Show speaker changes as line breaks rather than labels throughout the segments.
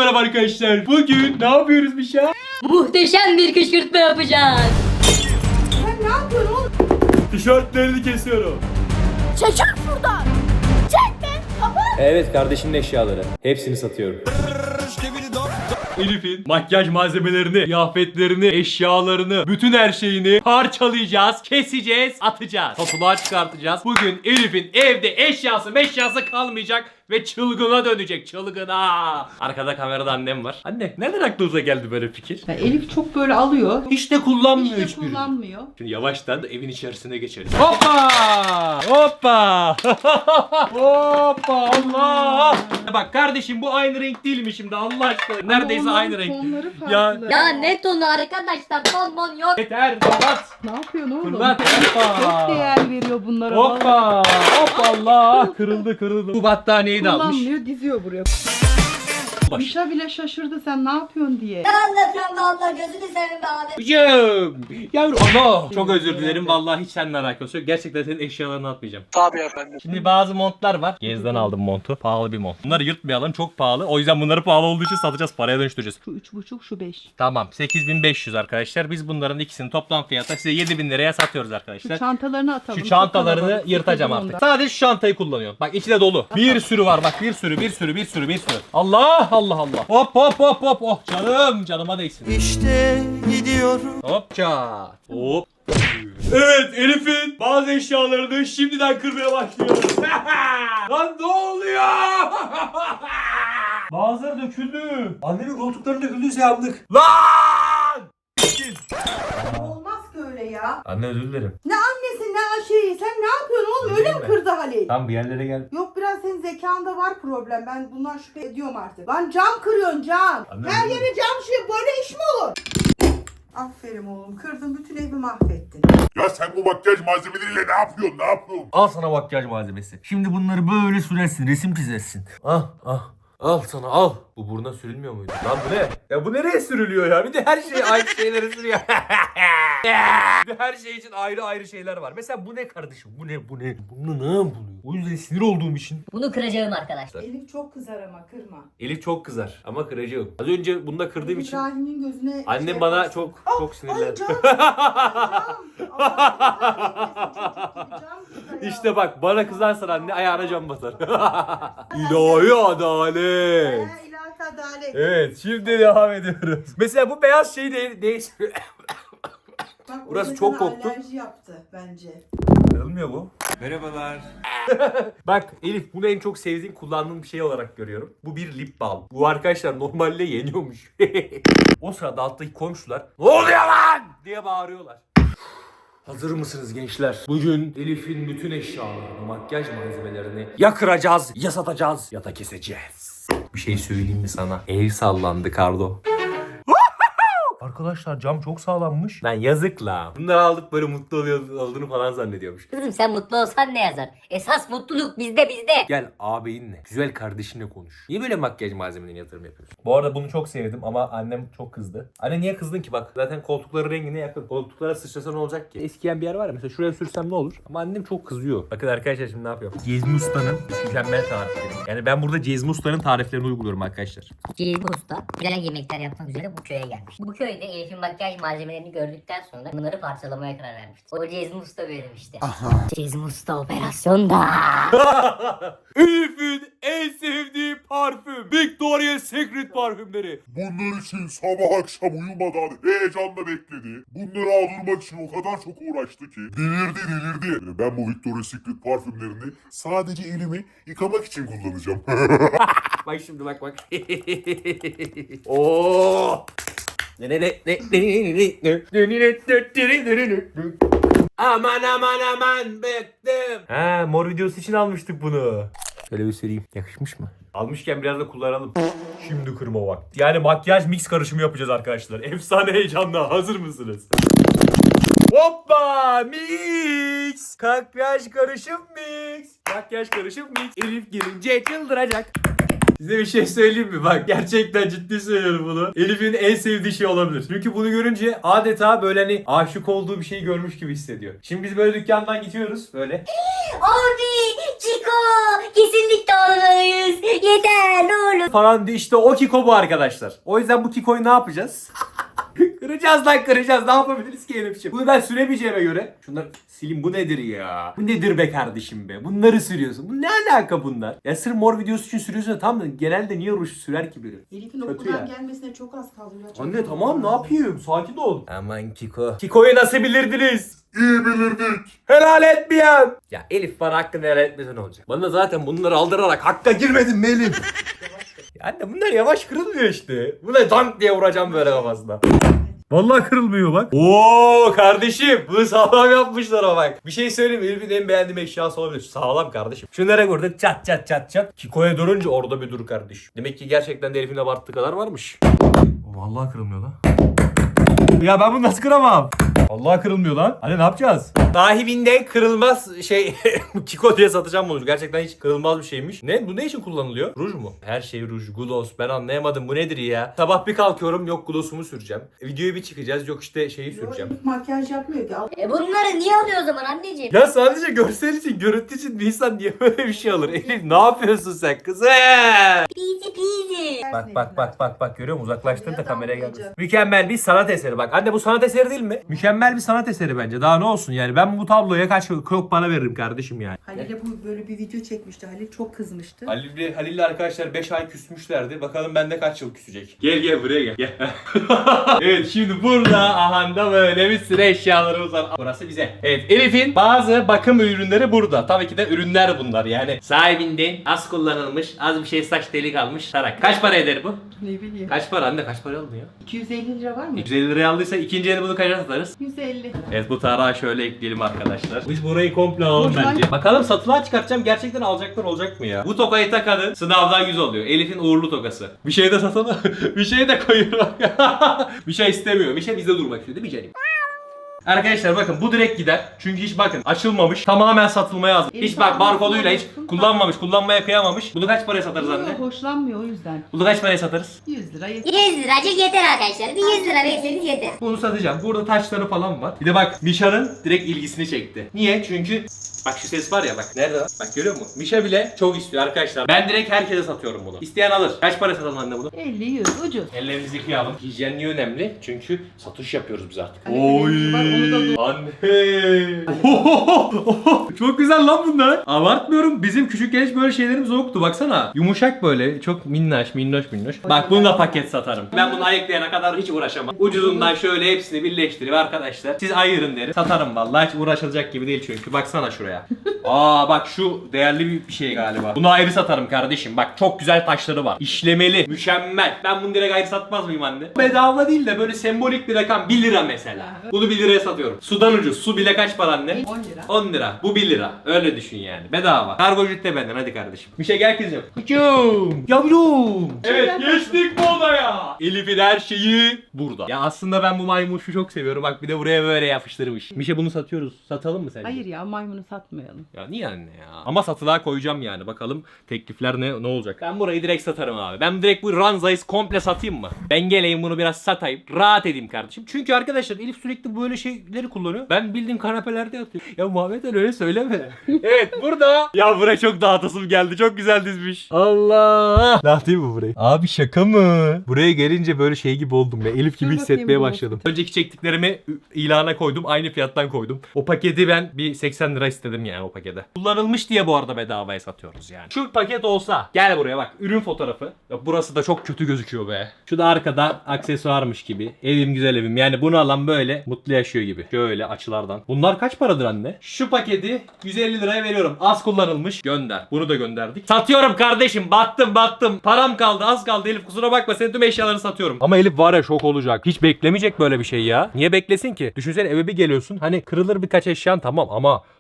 merhaba arkadaşlar. Bugün ne yapıyoruz bir şey?
Muhteşem bir kışkırtma yapacağız.
Sen ne yapıyorsun oğlum?
Tişörtlerini kesiyorum.
Çekil şuradan. Çekme. Kapat.
Evet, kardeşimin eşyaları. Hepsini satıyorum. Elif'in makyaj malzemelerini, kıyafetlerini, eşyalarını, bütün her şeyini parçalayacağız, keseceğiz, atacağız. Satılığa çıkartacağız. Bugün Elif'in evde eşyası kalmayacak ve çılgına dönecek, çılgına. Arkada kamerada annem var. Anne, nereden aklınıza geldi böyle fikir?
Ya Elif çok böyle alıyor.
Hiç de kullanmıyor
Hiç de
hiçbirini.
kullanmıyor.
Şimdi yavaştan da evin içerisine geçeriz. Hoppa! Hoppa! Hoppa! Allah! Bak kardeşim, bu aynı renk değil mi şimdi Allah aşkına? Neredeyse
Ama
aynı
onların
renk.
tonları
Ya-
farklı.
Ya ne tonu arkadaşlar, ton yok.
Yeter, fırlat!
Ne yapıyorsun oğlum?
Fırlat! Hoppa!
Çok değer veriyor bunlara.
Hoppa! Hoppa Allah! Kırıldı. Bu battaniyeyi de almış.
Kullanmıyor, diziyor buraya. Mişa bile şaşırdı sen ne yapıyorsun diye.
Ne anlatıyorsun valla, gözünü seveyim be abi.
Hocam! Yavrum ana! Çok özür dilerim, vallahi hiç seninle alakası yok. Gerçekten senin eşyalarını atmayacağım.
Tabii efendim.
Şimdi bazı montlar var. Gezden aldım montu. Pahalı bir mont. Bunları yırtmayalım, çok pahalı. O yüzden bunları pahalı olduğu için satacağız, paraya dönüştüreceğiz.
Şu 3,5 şu 5.
Tamam, 8500 arkadaşlar. Biz bunların ikisini toplam fiyata size 7000 liraya satıyoruz
Şu
arkadaşlar.
çantalarını atalım.
Şu çantalarını
Çok kalabalık,
yırtacağım
sıkıldım
artık.
ondan.
Sadece şu çantayı kullanıyorum. Bak içi de dolu. Bir sürü var bak, bir sürü. Allah. Hop. Oh canıma değsin.
İşte gidiyorum.
Hopça. Hop. Evet, Elif'in bazı eşyalarını şimdiden kırmaya başlıyoruz. Lan ne oluyor? Bazıları döküldü. Annemin koltuklarının döküldüyse yandık. Lan!
Olmaz ki öyle ya.
Anne, özür dilerim.
Ne annesi ne şeyi sen ne yapıyorsun oğlum öyle mi
mi?
kırdı Halil?
Tam bir yerlere gel.
Yok biraz senin zekanda var problem. Ben bundan şüphe ediyorum artık. Lan cam kırıyorsun cam.
Anne,
Her
öyle
yere cam şey böyle iş mi olur? Aferin oğlum kırdın bütün evi mahvettin.
Ya sen bu makyaj malzemeleriyle ne yapıyorsun?
Al sana makyaj malzemesi. Şimdi bunları böyle sürersin, resim çizersin. Al sana al. Bu buruna sürülmüyor muydu? Lan bu ne? Ya bu nereye sürülüyor ya? Bir de her şey aynı şeyleri sürüyor. Bir de her şey için ayrı şeyler var. Mesela bu ne kardeşim? Bu ne? Bunu ne yapılıyor? O yüzden sinir olduğum için.
Bunu kıracağım arkadaşlar.
Elif çok kızar ama kırma.
Elif çok kızar ama kırıcı yok. Az önce bunda kırdığım için
İbrahim'in gözüne
annem
şey
bana
yaparsın.
çok sinirlendi.
Ay cam.
İşte bak, bana kızarsan anne ayağına cam basar. İlahi adalet.
İlahi adalet.
Evet, şimdi devam ediyoruz. Mesela bu beyaz şeyi değiştiriyor.
Bak,
Burası
o da
çok
sana
koktu.
Alerji yaptı bence.
Kırılmıyor bu. Merhabalar. Bak Elif, bunu en çok sevdiğin, kullandığın bir şey olarak görüyorum. Bu bir lip balm. Bu arkadaşlar normalde yeniyormuş. O sırada alttaki komşular "Ne oluyor lan?" diye bağırıyorlar. Hazır mısınız gençler? Bugün Elif'in bütün eşyalarını, makyaj malzemelerini ya kıracağız, ya satacağız, ya da keseceğiz. Bir şey söyleyeyim mi sana? Ev sallandı Kardo. Arkadaşlar cam çok sağlammış. Lan yazık la. Bunları aldık böyle mutlu olduğunu falan zannediyormuş.
Kızım sen mutlu olsan ne yazar? Esas mutluluk bizde.
Gel ağabeyinle, güzel kardeşinle konuş. Niye böyle makyaj malzemelerine yatırım yapıyorsun? Bu arada bunu çok sevdim ama annem çok kızdı. Anne niye kızdın ki bak? Zaten koltukların rengine yakın. Koltuklara sıçrasa ne olacak ki? Eskiyen bir yer var ya, mesela şuraya sürsem ne olur? Ama annem çok kızıyor. Bakın arkadaşlar şimdi ne yapıyorum? Cezmi Usta'nın mükemmel tarifleri. Yani ben burada Cezmi Usta'nın tariflerini uyguluyorum arkadaşlar.
Cezmi Usta güzel yemekler yapmak üzere bu köye gelmiş. Bu köyde Elif'in makyaj malzemelerini gördükten sonra bunları parçalamaya karar vermişti. O Cezmi Usta böyle demişti. Cezmi Usta operasyonda.
Elif'in en sevdiği parfüm. Victoria's Secret parfümleri.
Bunlar için sabah akşam uyumadan heyecanla bekledi. Bunları aldırmak için o kadar çok uğraştı ki. Delirdi. Ben bu Victoria's Secret parfümlerini sadece elimi yıkamak için kullanacağım.
Bak şimdi bak. Oo! Aman bıktım. Ha, mor videosu için almıştık bunu. Şöyle bir süreyim. Yakışmış mı? Almışken biraz da kullanalım. Şimdi kırma vakti. Yani makyaj mix karışımı yapacağız arkadaşlar. Efsane heyecanla. Hazır mısınız? Hoppa! Mix! Makyaj karışım mix! Makyaj karışım mix! Elif gelince çıldıracak. Size bir şey söyleyeyim mi? Bak gerçekten ciddi söylüyorum bunu. Elif'in en sevdiği şey olabilir. Çünkü bunu görünce adeta böyle hani aşık olduğu bir şeyi görmüş gibi hissediyor. Şimdi biz böyle dükkandan gidiyoruz böyle.
Abi Chico kesinlikle almalıyız. Yeter ne olur.
Falan diye işte o Kiko bu arkadaşlar. O yüzden bu Kiko'yu ne yapacağız? Kıracağız lan kıracağız. Ne yapabiliriz ki Elif'ciğim? Bunu ben süremeyeceğime göre. Şunları sileyim, bu nedir ya? Bu nedir be kardeşim be? Bunları sürüyorsun. Bu ne alaka bunlar? Ya sırf mor videosu için sürüyorsun da tamam da genelde niye ruj sürer ki biri?
Elif'in
Kötü
okuldan
ya.
gelmesine çok az kaldı. Ya, çok
Anne tamam ne yapayım? Sakin ol. Aman Kiko. Kiko'yu nasıl bilirdiniz?
İyi bilirdik.
Helal etmeyen. Ya Elif bana hakkını helal etmese ne olacak? Bana zaten bunları aldırarak hakka girmedin mi Elif? Ya anne bunlar yavaş kırılmıyor işte. Buna dank diye vuracağım böyle kafasına. Vallahi kırılmıyor bak. Oo kardeşim bunu sağlam yapmışlar ama bak. Bir şey söyleyeyim mi? Elif'in en beğendiğim eşyası olabilir. Sağlam kardeşim. Şunlara vurduk çat çat çat çat. Kiko'ya durunca orada bir dur kardeş. Demek ki gerçekten de Elif'in abarttığı kadar varmış. Vallahi kırılmıyor lan. Ya ben bunu nasıl kıramam? Vallahi kırılmıyor lan. Hani ne yapacağız? Sahibinden kırılmaz şey Kiko diye satacağım bunu. Gerçekten hiç kırılmaz bir şeymiş. Ne? Bu ne için kullanılıyor? Ruj mu? Her şey ruj, gloss. Ben anlayamadım. Bu nedir ya? Sabah bir kalkıyorum yok glossumu süreceğim. Videoya bir çıkacağız yok işte şeyi süreceğim.
Elif makyaj yapmıyor ki.
Bunları niye alıyor o zaman anneciğim?
Ya sadece görsel için, görüntü için bir insan niye böyle bir şey alır? Elif ne yapıyorsun sen kızım?
Peasy peasy.
Bak görüyor musun? Uzaklaştır da kameraya gelmesin. Mükemmel bir sanat eseri bak. Anne bu sanat eseri değil mi? Mükemmel bir sanat eseri bence. Daha ne olsun yani. Ben bu tabloya kaç çok para veririm kardeşim yani.
Halil'e bu böyle bir video çekmişti. Halil çok kızmıştı.
Halil'le arkadaşlar 5 ay küsmüşlerdi. Bakalım bende kaç yıl küsecek. Gel buraya gel. Evet şimdi burada ahanda böyle bir sürü eşyalarımız var. Burası bize. Evet Elif'in bazı bakım ürünleri burada. Tabii ki de ürünler bunlar yani. Sahibinden az kullanılmış, az bir şey saç deli kalmış tarak. Kaç para eder bu?
Ne bileyim.
Kaç para anne kaç para aldın ya?
250 lira var mı?
150 liraya aldıysa ikinci eli bunu kaça satarız?
150.
Evet bu tarağı şöyle ekleyelim arkadaşlar. Biz burayı komple alalım
Boşver.
bence. Bakalım satılığa çıkartacağım. Gerçekten alacaklar olacak mı ya? Bu tokayı takanın sınavdan 100 oluyor. Elif'in uğurlu tokası. Bir şey de satalım. Bir şey de koyuyor. Bir şey istemiyor. Bir şey bizde durmak istiyor değil mi canım? Arkadaşlar bakın bu direkt gider. Çünkü hiç bakın açılmamış. Tamamen satılmaya hazır. Hiç bak barkoduyla hiç kullanmamış. Kullanmaya kıyamamış. Bunu kaç paraya satarız anne?
Yok, hoşlanmıyor o yüzden.
Bunu kaç paraya satarız?
100 lira
100 liracık yeter arkadaşlar. Bir 100 lira verirseniz yeter.
Bunu satacağım. Burada taşları falan var. Bir de bak Misha'nın direkt ilgisini çekti. Niye? Çünkü bak şu ses var ya bak. Nerede lan? Bak görüyor musun? Misha bile çok istiyor arkadaşlar. Ben direkt herkese satıyorum bunu. İsteyen alır. Kaç para satalım anne bunu?
50 100 ucuz.
Ellerimizi yıkayalım. Hijyenliği önemli. Çünkü satış yapıyoruz biz artık.
Hani bir var, onu da
Anne. Çok güzel lan bunlar. Abartmıyorum. Bizim küçükken hiç böyle şeylerimiz yoktu. Baksana. Yumuşak böyle. Çok minnoş. Bak bunu da paket satarım. Ben bunu ayıklayana kadar hiç uğraşamam. Ucuzundan şöyle hepsini birleştirip arkadaşlar. Siz ayırın derim. Satarım vallahi. Hiç uğraşılacak gibi değil çünkü. Baksana şuraya. Aa bak şu değerli bir şey galiba. Bunu ayrı satarım kardeşim. Bak çok güzel taşları var. İşlemeli. Mükemmel. Ben bunu direkt ayrı satmaz mıyım anne? Bedava değil de böyle sembolik bir rakam. 1 lira mesela. Bunu 1 liraya satıyorum. Sudan ucuz. Su bile kaç para anne?
10 lira.
10 lira. Bu 1 lira. Öyle düşün yani. Bedava. Kargo ücreti benden hadi kardeşim. Bir şey gel kızım. Kıçım. Yavrum. Evet geçtik bu odaya. Elif'in her şeyi burada. Ya aslında ben bu maymuşu çok seviyorum. Bak bir de buraya böyle yapıştırmış. Mişe bunu satıyoruz. Satalım mı sence?
Hayır ya maymunu satmayalım.
Ya niye anne ya? Ama satılığa koyacağım yani. Bakalım teklifler ne olacak. Ben burayı direkt satarım abi. Ben direkt bu ranzayı komple satayım mı? Ben geleyim bunu biraz satayım. Rahat edeyim kardeşim. Çünkü arkadaşlar Elif sürekli böyle şeyleri kullanıyor. Ben bildiğim kanepelerde yatıyorum. Ya Muhammed Ali öyle söyleme. Evet burada. Ya buraya çok dağıtasım geldi. Çok güzel dizmiş. Allah. Dağıtayım mı burayı? Abi şaka mı? Buraya gelince böyle şey gibi oldum ya. Elif gibi
Dur
hissetmeye
bakayım,
başladım. Önceki çektiklerimi ilana koydum. Aynı fiyattan koydum. O paketi ben bir 80 lira istedim yani o pakete. Kullanılmış diye bu arada bedavaya satıyoruz yani. Şu paket olsa. Gel buraya bak. Ürün fotoğrafı. Ya burası da çok kötü gözüküyor be. Şu da arkada aksesuarmış gibi. Evim güzel evim. Yani bunu alan böyle mutlu yaşıyor gibi. Şöyle açılardan. Bunlar kaç paradır anne? Şu paketi 150 liraya veriyorum. Az kullanılmış. Gönder. Bunu da gönderdik. Satıyorum kardeşim. Battım. Param kaldı. Az kaldı Elif. Kusura bakma. Senin tüm eşyalarını satıyorum. Ama Elif var ya şok olacak. Hiç beklemeyecek böyle bir şey ya. Niye beklesin ki? Düşünsene eve bir geliyorsun. Hani kırılır birkaç eşyan tamam ama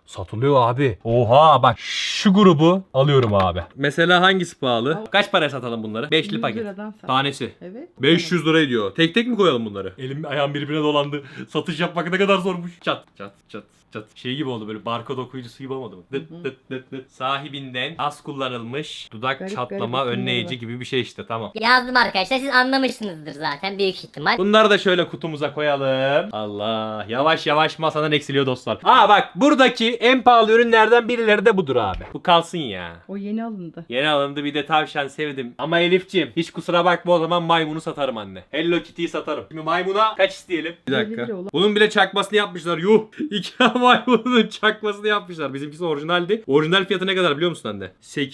Satılıyor abi. Oha bak şu grubu alıyorum abi. Mesela hangisi pahalı? Kaç paraya satalım bunları? 5'li
100
paket.
liradan sat.
Tanesi.
Evet.
500 lira ediyor. Tek tek mi koyalım bunları? Elim ayağım birbirine dolandı. Satış yapmak ne kadar zormuş. Çat çat çat çat. Şey gibi oldu böyle barkod okuyucusu gibi olmadı mı? Dıt dıt dıt dıt. Sahibinden az kullanılmış dudak
Garip
çatlama
garip
önleyici
isimleri
gibi bir şey işte tamam.
Yazdım arkadaşlar, siz anlamışsınızdır zaten büyük ihtimal.
Bunları da şöyle kutumuza koyalım. Allah yavaş yavaş masadan eksiliyor dostlar. Aa bak buradaki en pahalı ürünlerden birileri de budur abi. Bu kalsın ya.
O yeni alındı.
Yeni alındı bir de tavşan sevdim. Ama Elif'ciğim hiç kusura bakma o zaman maymunu satarım anne. Hello Kitty'yi satarım. Şimdi maymuna kaç isteyelim? Bir
50
dakika.
lira olan.
Bunun bile çakmasını yapmışlar. Yuh. Ikea maymunun çakmasını yapmışlar. Bizimkisi orijinaldi. Orijinal fiyatı ne kadar biliyor musun anne?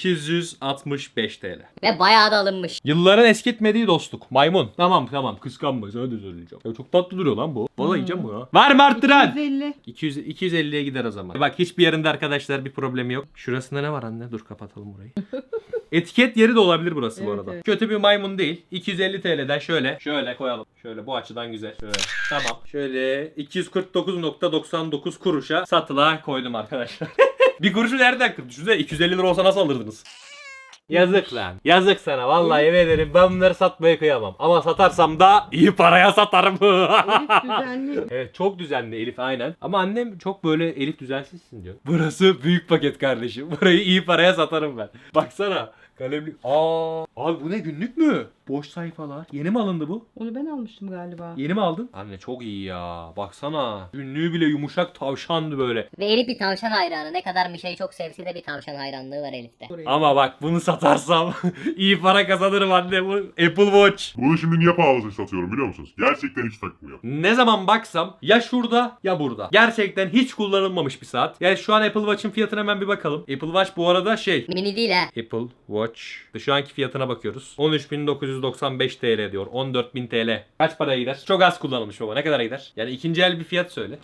865 TL.
Ve bayağı da alınmış.
Yılların eskitmediği dostluk. Maymun. Tamam kıskanma sana da söyleyeceğim. Ya çok tatlı duruyor lan bu. Vallahi yiyeceğim bunu. Var mı arttıran?
150.
250'ye gider o zaman. Bak hiçbir yerinde arkadaşlar bir problemi yok. Şurasında ne var anne? Dur kapatalım burayı. Etiket yeri de olabilir burası bu
Evet,
arada.
evet.
Kötü bir maymun değil. 250 TL'den şöyle koyalım. Şöyle bu açıdan güzel. Şöyle. Tamam. Şöyle 249.99 kuruşa satılığa koydum arkadaşlar. Bir kuruşu nereden kırdı? Düşünsene 250 lira olsa nasıl alırdınız? Yazık lan. Yazık sana. Vallahi yemin ederim ben bunları satmaya kıyamam. Ama satarsam da iyi paraya satarım.
Elif düzenli.
Evet çok düzenli Elif aynen. Ama annem çok böyle Elif düzensizsin diyor. Burası büyük paket kardeşim. Burayı iyi paraya satarım ben. Baksana. Kalemlik. Abi bu ne günlük mü? Boş sayfalar. Yeni mi alındı bu?
Onu ben almıştım galiba.
Yeni mi aldın? Anne çok iyi ya. Baksana. Günlüğü bile yumuşak tavşandı böyle.
Ve Elif bir tavşan hayranı. Ne kadar Mişe'yi çok sevse de bir tavşan hayranlığı var Elif'te.
Oraya.
Ama bak bunu satarsam iyi para kazanırım anne bu Apple Watch.
Bunu şimdi niye pahalı satıyorum biliyor musunuz? Gerçekten hiç takmıyor.
Ne zaman baksam ya şurada ya burada. Gerçekten hiç kullanılmamış bir saat. Yani şu an Apple Watch'ın fiyatına hemen bir bakalım. Apple Watch bu arada
Mini değil ha.
Apple Watch. Şu anki fiyatına bakıyoruz. 13.995 TL diyor. 14.000 TL. Kaç paraya gider? Çok az kullanılmış baba. Ne kadar gider? Yani ikinci el bir fiyat söyle.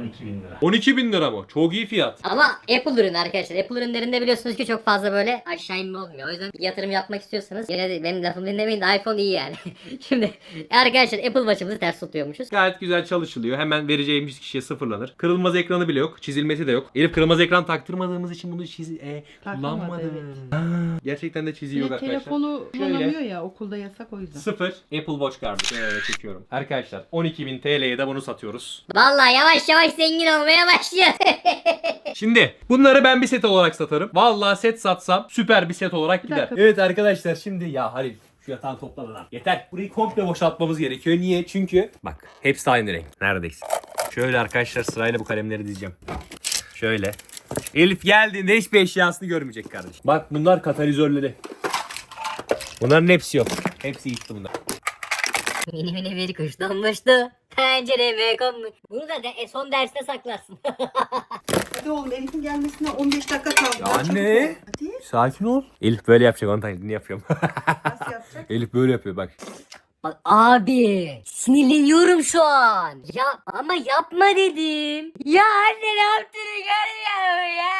12.000 lira mı? Çok iyi fiyat.
Ama Apple ürünü arkadaşlar. Apple ürünlerinde biliyorsunuz ki çok fazla böyle aşağı inme olmuyor. O yüzden yatırım yapmak istiyorsanız yine de benim lafımı dinlemeyin de iPhone iyi yani. Şimdi arkadaşlar Apple Watch'ımızı ters tutuyormuşuz.
Gayet güzel çalışılıyor. Hemen vereceğimiz kişiye sıfırlanır. Kırılmaz ekranı bile yok. Çizilmesi de yok. Elif kırılmaz ekran taktırmadığımız için bunu
Takılmadı,
kullanmadı.
evet.
Gerçekten de çiziyor
Bir de
arkadaşlar.
telefonu
Şöyle.
kullanamıyor ya, okulda yasak o yüzden.
Sıfır Apple Watch kardeşim. Evet çekiyorum. Arkadaşlar 12.000 TL'ye de bunu satıyoruz.
Vallahi yavaş yavaş zengin olmaya başlıyor.
Şimdi bunları ben bir set olarak satarım. Vallahi set satsam süper bir set olarak
Bir
gider.
dakika.
Evet arkadaşlar şimdi ya Halil şu yatağı toplama lan. Yeter. Burayı komple boşaltmamız gerekiyor. Niye? Çünkü bak hepsi aynı renk. Neredeyse. Şöyle arkadaşlar sırayla bu kalemleri dizeceğim. Şöyle. Elif geldiğinde hiçbir eşyasını görmeyecek kardeşim. Bak bunlar katalizörleri. Bunların hepsi yok. Hepsi gitti bunlar.
Mini mini bir kuş donmuştu. Pencereme konmuş. Bunu da son derste saklarsın.
Hadi oğlum, Elif'in gelmesine 15 dakika kaldı.
Ya
Daha çabuk
anne.
ol. Hadi.
Sakin ol. Elif böyle yapacak. Onun taklidini yapıyorum.
Nasıl yapacak?
Elif böyle yapıyor bak.
Bak abi sinirleniyorum şu an. Ya ama yapma dedim. Ya anne ne yaptığını görmüyor ya.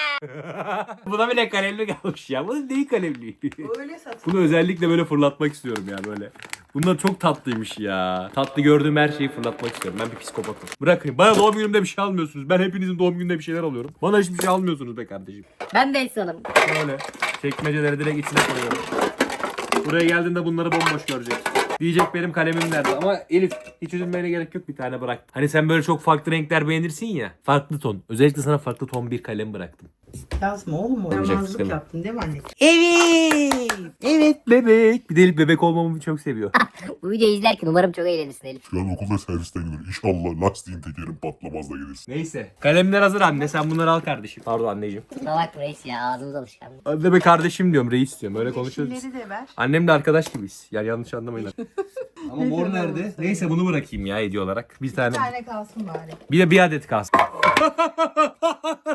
Buna bile kalemli kalmış ya. Bu değil kalemli.
Öyle satın.
Bunu özellikle böyle fırlatmak istiyorum ya böyle. Bunlar çok tatlıymış ya. Tatlı gördüğüm her şeyi fırlatmak istiyorum. Ben bir psikopatım. Bırakın. Bana doğum günümde bir şey almıyorsunuz. Ben hepinizin doğum gününde bir şeyler alıyorum. Bana hiçbir şey almıyorsunuz be kardeşim.
Ben de insanım.
Böyle. Çekmeceleri direkt içine koyuyorum. Buraya geldiğinde bunları bomboş görecek. Diyecek benim kalemim nerede ama Elif hiç üzülmene gerek yok, bir tane bıraktım. Hani sen böyle çok farklı renkler beğenirsin ya. Farklı ton. Özellikle sana farklı ton bir kalem bıraktım.
Yazma oğlum,
Olacak,
oynamazlık
sıkıntı.
yaptın değil mi anne?
Evet. Evet bebek. Bir de Elif bebek olmamı çok seviyor.
Bu videoyu izlerken umarım çok eğlenirsin Elif.
Şu an okulda servisten gidiyor. İnşallah lastiğin tekerin patlamaz da gelirsin.
Neyse. Kalemler hazır anne. Sen bunları al kardeşim. Pardon anneciğim.
Kusura bakma reis ya, ağzımız alışkanlık.
Anne be kardeşim diyorum. Reis diyorum. Öyle konuşuyoruz.
Yeşilleri de ver.
Annemle arkadaş gibiyiz. Yani yanlış anlamayın. Ama mor nerede? Neyse bunu bırakayım ya hediye olarak. Bir tane.
Bir tane kalsın bari.
Bir de bir adet kalsın.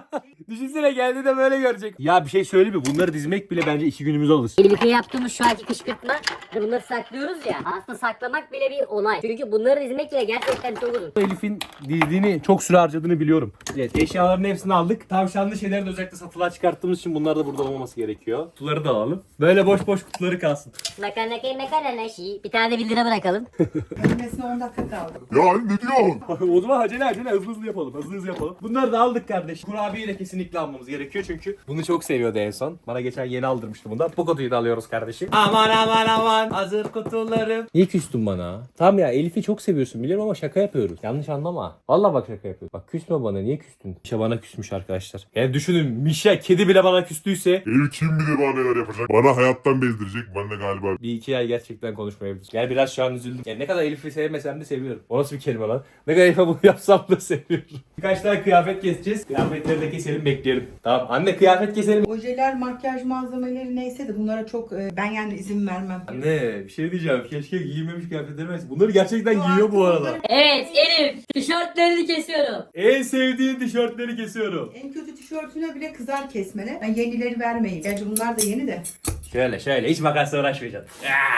Düşünsene geldi de böyle görecek. Ya bir şey söyleyeyim mi? Bunları dizmek bile bence 2 günümüzü alır.
Birlikte yaptığımız şu anki kışkırtma bunları saklıyoruz ya. Aslında saklamak bile bir olay. Çünkü bunları dizmek bile gerçekten çok uzun.
Elif'in dizdiğini çok süre harcadığını biliyorum. Evet, eşyaların hepsini aldık. Tavşanlı şeyleri de özellikle satılığa çıkarttığımız için bunlar da burada olmaması gerekiyor. Kutuları da alalım. Böyle boş boş kutuları kalsın.
Makarnaki. Bir tane de 1 lira bırakalım.
Ölmesine 10 dakika kaldı.
Ya Ali ne diyorsun?
O zaman acele hızlı yapalım. Hızlı yapalım. Bunları da aldık kardeş. Kurabiyeyi de kesinlikle almamız gerekiyor çünkü bunu çok seviyordu en son. Bana geçen yeni aldırmıştı bundan. Bu kutuyu da alıyoruz kardeşim. Aman hazır kutularım. Niye küstün bana? Tamam ya Elif'i çok seviyorsun biliyorum ama şaka yapıyoruz. Yanlış anlama. Vallahi bak şaka yapıyoruz. Bak küsme bana, niye küstün? Mişa bana küsmüş arkadaşlar. Yani düşünün, Mişa kedi bile bana küstüyse
Ev kim bilir bana neler yapacak. Bana hayattan bezdirecek. Ben de galiba.
bir iki ay gerçekten konuşmayabiliriz. Yani biraz şu an üzüldüm. Yani ne kadar Elif'i sevmesem de seviyorum. O nasıl bir kelime lan? Ne kadar Elif'e bunu yapsam da seviyorum. Birkaç tane kıyafet keseceğiz. Kıyafetleri de keselim, bekleyelim. Tamam anne, kıyafet keselim.
Ojeler, makyaj malzemeleri neyse de bunlara çok ben yani izin vermem.
Anne bir şey diyeceğim. Keşke giymemiş kıyafetleri versin. Bunları gerçekten giyiyor bu arada.
Evet Elif. Tişörtlerini kesiyorum.
En sevdiğin tişörtleri kesiyorum.
En kötü tişörtüne bile kızar kesmene. Ben yenileri vermeyin. Gerçi bunlar da yeni de.
Şöyle hiç makasla uğraşmayacaksın.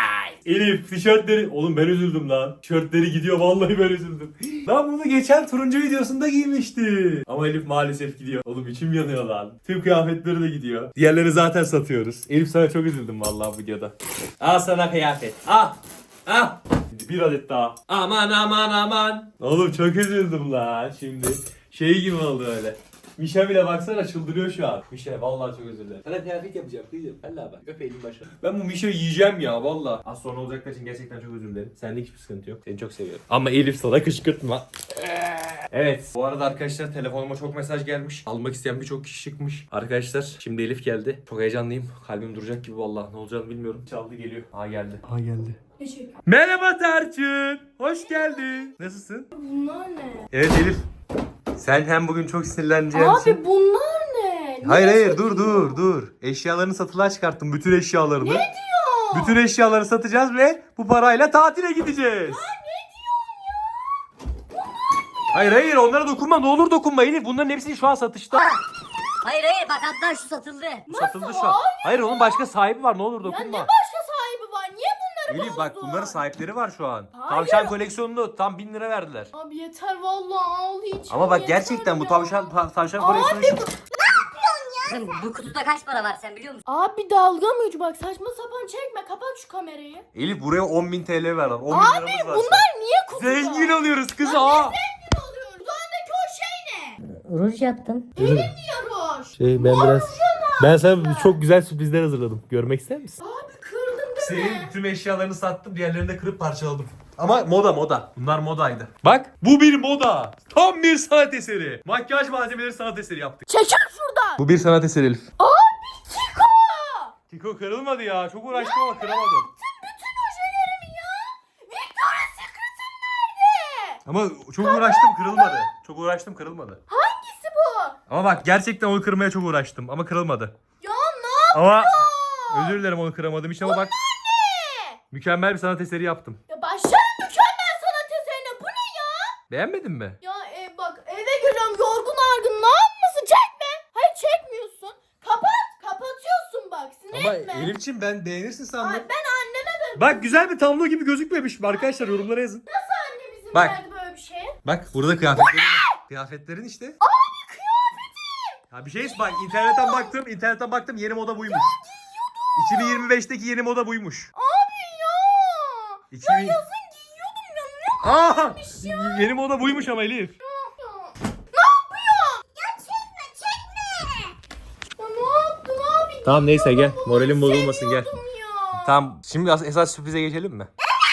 Elif tişörtleri, oğlum ben üzüldüm lan. Tişörtleri gidiyor, vallahi ben üzüldüm. Lan bunu geçen turuncu videosunda giymişti. Ama Elif maalesef gidiyor. Oğlum içim yanıyor lan. Tüm kıyafetleri de gidiyor. Diğerleri zaten satıyoruz. Elif sana çok üzüldüm vallahi bu videoda. Al sana kıyafet. Al. Al. Bir adet daha. Aman. Oğlum çok üzüldüm lan şimdi. Şey gibi oldu öyle. Mişa bile baksana çıldırıyor şu an. Mişa vallahi çok özür dilerim. Sana kıyafet yapacağım kızım. Valla bak öp elini başına. Ben bu Mişa'yı yiyeceğim ya valla. Az sonra olacaklar için gerçekten çok özür dilerim. Sende hiçbir sıkıntı yok. Seni çok seviyorum. Ama Elif sana kışkırtma. Evet. Bu arada arkadaşlar telefonuma çok mesaj gelmiş. Almak isteyen birçok kişi çıkmış. Arkadaşlar şimdi Elif geldi. Çok heyecanlıyım. Kalbim duracak gibi vallahi. Ne olacağını bilmiyorum. Çaldı geliyor. Geldi. Geldi.
Teşekkür.
Merhaba Tarçın. Hoş geldin. Nasılsın?
Bunlar ne?
Evet Elif. Sen hem bugün çok sinirleneceksin.
Abi bunlar ne?
Hayır dur. Eşyalarını satılığa çıkarttım. Bütün eşyalarını. Ne diyor? Bütün eşyaları satacağız ve bu parayla tatile gideceğiz. Ya ne diyorsun ya? Hayır onlara dokunma, ne olur dokunma Elif. Bunların hepsi şu an satışta.
Hayır bak hatta şu satıldı.
Satıldı şu an. Hayır onun başka sahibi var, ne olur
Ya
dokunma.
ne başka sahibi var? Niye bunları
Elif bak
bozdun?
bunların sahipleri var şu an.
Hayır.
Tavşan koleksiyonunu tam 1000 lira verdiler.
Abi yeter vallahi ağlayacağım.
Ama bak
yeter
gerçekten bu
ya.
tavşan koleksiyonu şu.
Kızım bu kutuda kaç para var sen biliyor musun?
Abi dalga mı ucu bak saçma sapan çekme kapat şu kamerayı.
Elif buraya 10.000 TL ver lan. 10.000
Abi
liramız var.
bunlar niye kutuda?
Zengin oluyoruz kız
Ya
ha.
ne zengin oluyoruz? Üstündeki o şey ne?
Ruj yaptım.
Diyoruz.
Ben sana çok güzel sürprizler hazırladım. Görmek ister misin?
Abi kırdın değil mi?
Senin tüm eşyalarını sattım, diğerlerini de kırıp parçaladım. Ama moda. Bunlar modaydı. Bak bu bir moda. Tam bir sanat eseri. Makyaj malzemeleri sanat eseri yaptık.
Çekil şuradan.
Bu bir sanat eseri Elif.
Abi Kiko.
Kiko kırılmadı ya. Çok uğraştım ama kıramadım.
Bütün ojelerimi ya. Victoria's Secret'ım nerede?
Ama çok uğraştım, kırılmadı. Çok uğraştım, kırılmadı.
Hangisi bu?
Ama bak gerçekten onu kırmaya çok uğraştım ama kırılmadı.
Ya ne
Ama özür dilerim onu kıramadım işte ama bak
ne?
mükemmel bir sanat eseri yaptım.
Ya başlarım mükemmel sanat eserine. Bu ne ya?
Beğenmedin mi?
Ya bak eve geliyorum yorgun argın. Ne yapmasın? Çekme. Hayır çekmiyorsun. Kapatıyorsun bak. Sinir
Ama
etme.
Elif'ciğim ben beğenirsin sandım.
Ay ben anneme de
Bak güzel bir tablo gibi gözükmemiş mi arkadaşlar, yorumlara yazın.
annem izin
Bak.
verdi böyle bir şeye.
Bak burada kıyafetlerin. Kıyafetlerin işte.
Abi kıyafetim.
Ya bir şey bak internetten baktım yeni moda buymuş. 2025'teki yeni moda buymuş.
Abi ya.
2000...
Yazın giyiyordum ya. Ne
Aa! Yeni moda buymuş ama Elif.
Ne yapıyor? Ya çekme. Ya ne yaptın abi?
Tamam neyse gel. Moralim bozulmasın gel.
Seviyordum ya.
Tamam şimdi esas sürprize geçelim mi?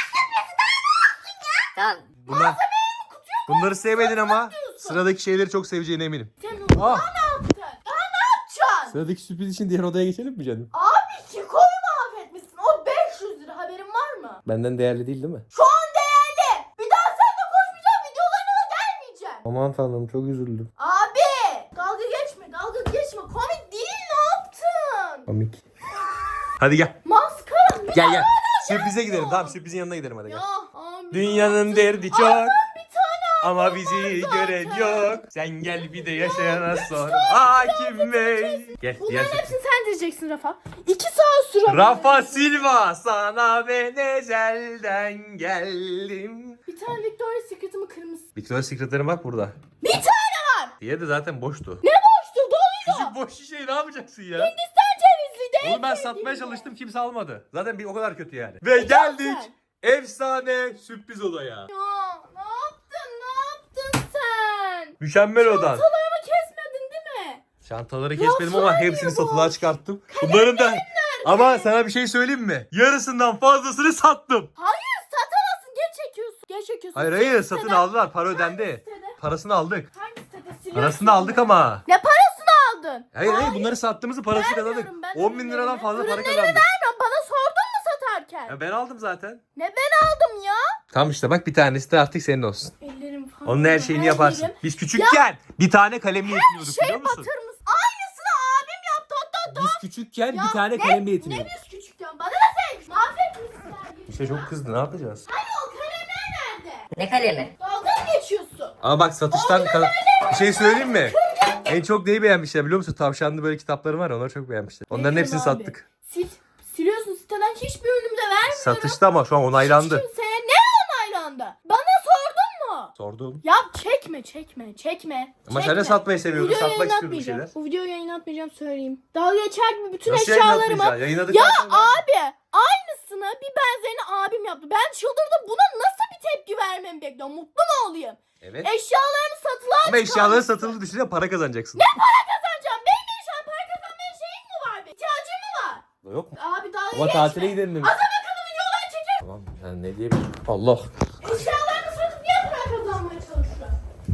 Tamam.
Bunları sevmedin ama sıradaki şeyleri çok seveceğine eminim.
Sen onu
Ah.
ne yaptın? Daha ne yapacaksın?
Sıradaki sürpriz için diğer odaya geçelim mi canım?
Abi Kiko'yu mahvetmişsin. O 500 lira haberin var mı?
Benden değerli değil mi?
Şu an değerli. Bir daha seninle konuşmayacağım. Videolarına da gelmeyeceğim.
Aman tanrım çok üzüldüm.
Abi. Dalga geçme. Komik değil ne yaptın?
Komik. Hadi gel.
Maskara. Bir
Gel
daha
gel.
hala
Sürprize
gelmiyor.
gidelim. Tamam sürprizin yanına gidelim hadi
Ya
gel.
abi.
Dünyanın derdi çok.
Bir tane
Ama bizi gören yok. Sen gel bir de yaşayana sor. Hakim Bey. Gel diğer
Bunların hepsini sen diyeceksin Rafa. 2 saat süre.
Rafa Silva, sana ben ezelden geldim.
Bir tane Victoria's Secret'ımı kırmızı.
Victoria's Secret'lerin bak burada.
Bir tane var.
Diğeri de zaten boştu.
Ne boştu doluyor.
Küçük boş şişeyi ne yapacaksın ya?
Hindistan cevizli de.
Onu ben satmaya çalıştım, kimse almadı. Zaten bir o kadar kötü yani. Ve geldik efsane sürpriz odaya.
Ya ne yaptın sen?
Mükemmel odan.
Çantalarımı kesmedin değil mi?
Çantaları kesmedim ama
Rafael
hepsini
bu.
satılığa çıkarttım. Bunların da ama sana bir şey söyleyeyim mi? Yarısından fazlasını sattım.
Hayır satamazsın. Geç çekiyorsun. Geç çekiyorsun.
Hayır
Sil
hayır,
siteden.
satın aldılar, para ödendi.
Sitede.
Parasını aldık.
Hangi sitede siliyorsun?
Parasını aldık ama.
Ne parasını aldın?
Hayır hayır, bunları sattığımızı parasını kazandık.
Vermiyorum ben
10 bin liradan
ürünlerimi.
fazla para
Ürünlerimi
kazandık.
vermiyorum. Bana sordun mu satarken?
Ya ben aldım zaten.
Ne ben aldım ya?
Tamam işte bak, bir tanesi de artık senin olsun.
Ellerim falan.
Onun her şeyini yaparsın.
yerim.
Biz küçükken bir tane kalemle yetiniyorduk,
Şey
biliyor musun?
batır mısın? Aynısını abim yaptı. Hatta
Biz küçükken
Ya
bir tane
ne-
kalemle
Ne
yetiniyorduk.
biz küçükken? Bana ne sen? Mahvetmişsin.
İşte çok kızdı, ne yapacağız?
Hani o kalemler nerede?
Ne kalemi?
Dalga mı geçiyorsun?
Ama bak satıştan bir şey söyleyeyim mi? En çok neyi beğenmişler biliyor musun? Tavşanlı böyle kitapları var ya, onları çok beğenmişler. Onların
Ne
hepsini
diyorsun abi?
sattık.
Siliyorsun siteden hiçbir ürünümü de vermiyorum.
Satışta ama şu an onaylandı.
Hiç kimseye ne onaylandı? Bana sordun mu?
Sordum.
Ya çekme.
Ama sen de satmayı seviyordun.
Videoyu
Satmak istiyordun bir
yayınlatmayacağım.
şeyler.
Bu videoyu yayınlatmayacağım söyleyeyim. Dalga geçer gibi bütün
Nasıl
eşyalarımı.
yayınlatmayacaksın? Yayınladık
Ya
zaten.
abi aynısını bir benzerini abim yaptı. Ben çıldırdım. Buna nasıl bir tepki vermemi bekliyorum? Mutlu mu olayım?
Evet.
Eşyalarımı satılığa
Ama eşyaları
çıkarmışsın.
satıldı, düşünsene para kazanacaksın.
Kazanacağım. Benim eşyam para kazanmaya şeyim mi var? İhtiyacım mı var?
Yok mu?
Abi dalga
Ama
geçme.
tatile gidelim demiş.
Adam akıllı videolar çeker.
Tamam yani ne diyebilirim? Allah.
Eşyalarını satıp niye para kazanmaya çalışıyor?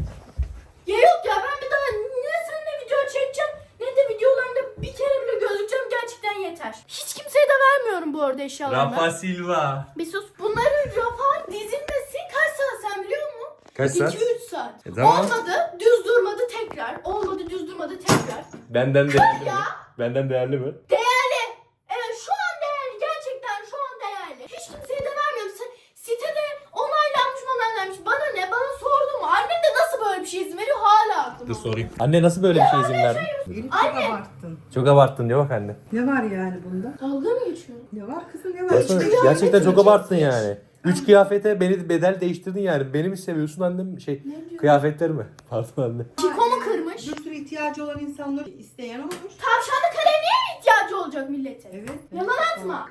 Ya yok ya ben bir daha ne seninle video çekeceğim ne de videolarında bir kere bile gözükeceğim, gerçekten yeter. Hiç kimseye de vermiyorum bu arada eşyalarımı.
Rafa Silva.
Bir sus. Bunların Rafa'nın dizilmesi kaç saat sen biliyor musun?
Kaç saat?
2-3 saat.
Tamam.
Olmadı düz durmadı tekrar. Olmadı düz durmadı tekrar.
Benden değerli mi?
Ya.
Benden değerli mi?
Değerli. Evet şu an değerli. Gerçekten şu an değerli. Hiç kimseye de vermiyorum. Sitede onaylanmış. Bana ne? Bana sordu mu? Annem de nasıl böyle bir şey izin veriyor hala aklımda.
Dur sorayım. Anne nasıl böyle bir şey izin verdi?
Elif çok abarttın.
Çok abarttın diyor bak anne.
Ne var yani bunda?
Dalga mı geçiyorsun?
Ne var kızım ne var? İçinde
Gerçekten
kıyafet
çok
mi?
abarttın yani. 3 kıyafete beni bedel değiştirdin yani. Beni mi seviyorsun annem kıyafetlerimi? Pardon anne.
Çiko mu kırmış?
Bir sürü ihtiyacı olan insanlar isteyen olmuş.
Tavşanlı kalemliğe mi ihtiyacı olacak millete?
Evet.
Yalan atma.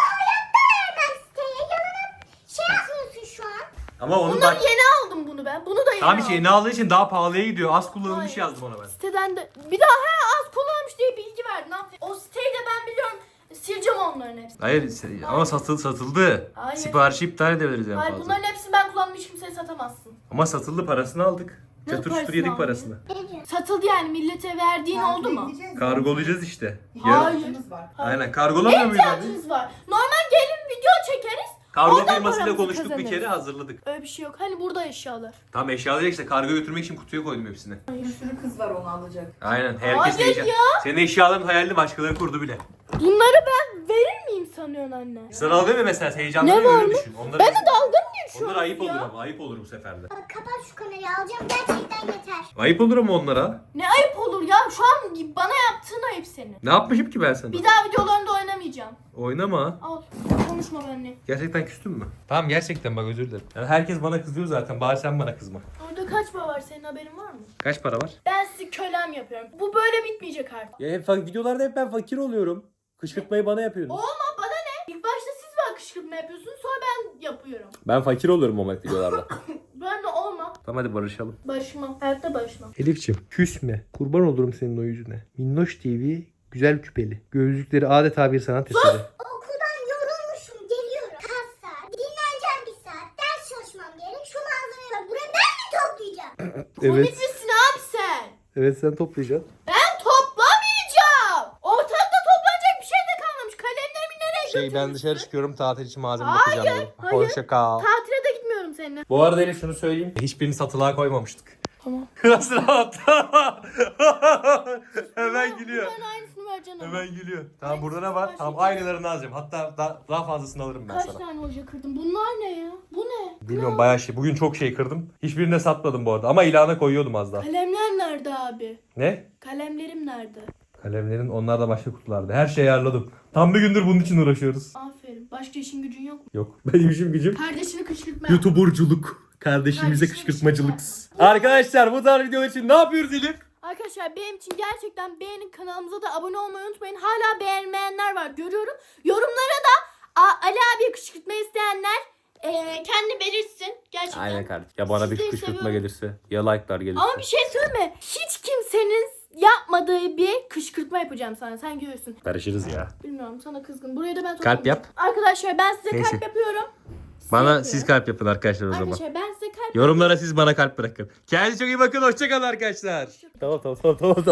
Ama onun
Bundan yeni aldım bunu ben. Bunu da yeni
Tamam
aldım.
işte yeni aldığı için daha pahalıya gidiyor. Az kullanılmış
Hayır.
yazdım ona ben.
Siteden de bir daha az kullanmış diye bilgi verdin. Aferin. O siteyi de ben biliyorum. Sileceğim onların hepsini.
Hayır ama satıldı.
Hayır.
Siparişi iptal edebiliriz en
Hayır
fazla.
bunların hepsini ben kullandım, hiç kimseye satamazsın.
Ama satıldı, parasını aldık.
Ne
Çatır
parasını
çutur yedik
aldın?
parasını.
Satıldı yani, millete verdiğin oldu mu?
Kargolayacağız işte.
Hayır.
İhtiyacımız var.
Aynen
Ne
kargolamıyor muyuz abi?
ihtiyacınız var? Normal gelin video çekeriz.
Kargo
Oradan
firmasıyla
paramızı
konuştuk bir
kazanırız.
kere, hazırladık.
Öyle bir şey yok. Hani burada eşyalar.
Tam eşyaları işte kargo götürmek için kutuya koydum hepsini.
Bir sürü kız var onu alacak.
Aynen herkes
Hayır
heyecan.
ya.
Senin eşyaların hayalini başkaları kurdu bile.
Bunları ben verir miyim sanıyorsun anne?
Sana al deme mesela, heyecanlı
Ne
öyle
var mı?
düşün. Onları,
Ben de dalga mı geçiyorum
onlar ayıp
ya?
olur ama, ayıp olur bu sefer de.
Kapat şu kamerayı, alacağım gerçekten yeter.
Ayıp olur ama onlara.
Ne ayıp olur ya? Şu an bana yaptığın ayıp senin.
Ne yapmışım ki ben sana?
Bir daha videolarında oynamayacağım.
Oynama.
Al. Konuşma benimle.
Gerçekten küstün mü? Tamam gerçekten bak, özür dilerim. Yani herkes bana kızıyor zaten, bari sen bana kızma.
Orada kaç para var, senin haberin var mı?
Kaç para var?
Ben sizi kölem yapıyorum. Bu böyle bitmeyecek artık.
Ya hep videolarda hep ben fakir oluyorum. Kışkırtmayı bana yapıyorsunuz.
Olma, bana ne? İlk başta siz bana kışkırtma yapıyorsunuz, sonra ben yapıyorum.
Ben fakir oluyorum ama videolarda.
Ben de olma.
Tamam hadi barışalım.
Barışmam. Hayatta barışmam.
Elif'ciğim küsme. Kurban olurum senin o yüzüne. Minnoş TV güzel küpeli. Gözlükleri adeta bir sanat eseri.
Okuldan yorulmuşum, geliyorum. Kaç saat, dinleneceğim bir saat, ders çalışmam gerek. Şu malzemeyi bak, buraya ben mi toplayacağım?
Komik misin abi sen?
Evet sen toplayacaksın.
Ben toplamayacağım. Ortalıkta toplanacak bir şey de kalmamış. Kalemlerimi nereye götürmüşsün?
Ben dışarı çıkıyorum, tatil için malzeme
Hayır,
bakacağım. dedim.
hayır.
Hoşça kal.
Tatile de gitmiyorum seninle.
Bu arada Elif şunu söyleyeyim. Hiçbirini satılığa koymamıştık.
Tamam.
Nasıl rahat? Hemen gülüyor.
Bunların aynısını ver canım.
Hemen geliyor. Tamam burada ne
Hangisi
var?
var
Tamam
şimdi?
aynılarını alacağım. Hatta daha fazlasını alırım ben
Kaç
sana.
tane oje kırdın? Bunlar ne ya? Bu ne?
Bilmiyorum bayağı şey. Bugün çok şey kırdım. Hiçbirini de satmadım bu arada. Ama ilana koyuyordum az daha.
Kalemler nerede abi?
Ne?
Kalemlerim nerede?
Kalemlerin onlar da başka kutularda. Her şeyi ayarladım. Tam bir gündür bunun için uğraşıyoruz.
Aferin. Başka işin gücün yok mu?
Yok. Benim işim gücüm
Kardeşini kışkırtma.
YouTuberculuk. Kardeşimize
Kardeşine
kışkırtmacılık.
kışkırtma.
Arkadaşlar bu tarz videolar için ne yapıyoruz Elif?
Arkadaşlar benim için gerçekten beğenin, kanalımıza da abone olmayı unutmayın. Hala beğenmeyenler var görüyorum. Yorumlara da Ali abiye kışkırtma isteyenler kendi belirtsin. Gerçekten.
Aynen kardeşim. Ya bana bir
Sizleri
kışkırtma
seviyorum.
gelirse ya like'lar gelirse.
Ama bir şey söyleme. Hiç kimsenin yapmadığı bir kışkırtma yapacağım sana. Sen görürsün.
Karışırız ya.
Bilmiyorum sana kızgın. Buraya da ben
Kalp yap.
Arkadaşlar ben size
Neyse.
kalp yapıyorum. Size
Bana
yapıyorum.
siz kalp yapın arkadaşlar o zaman.
Arkadaşlar ben size kalp
Yorumlara siz bana kalp bırakın. Kendinize çok iyi bakın. Hoşçakalın arkadaşlar. Tamam.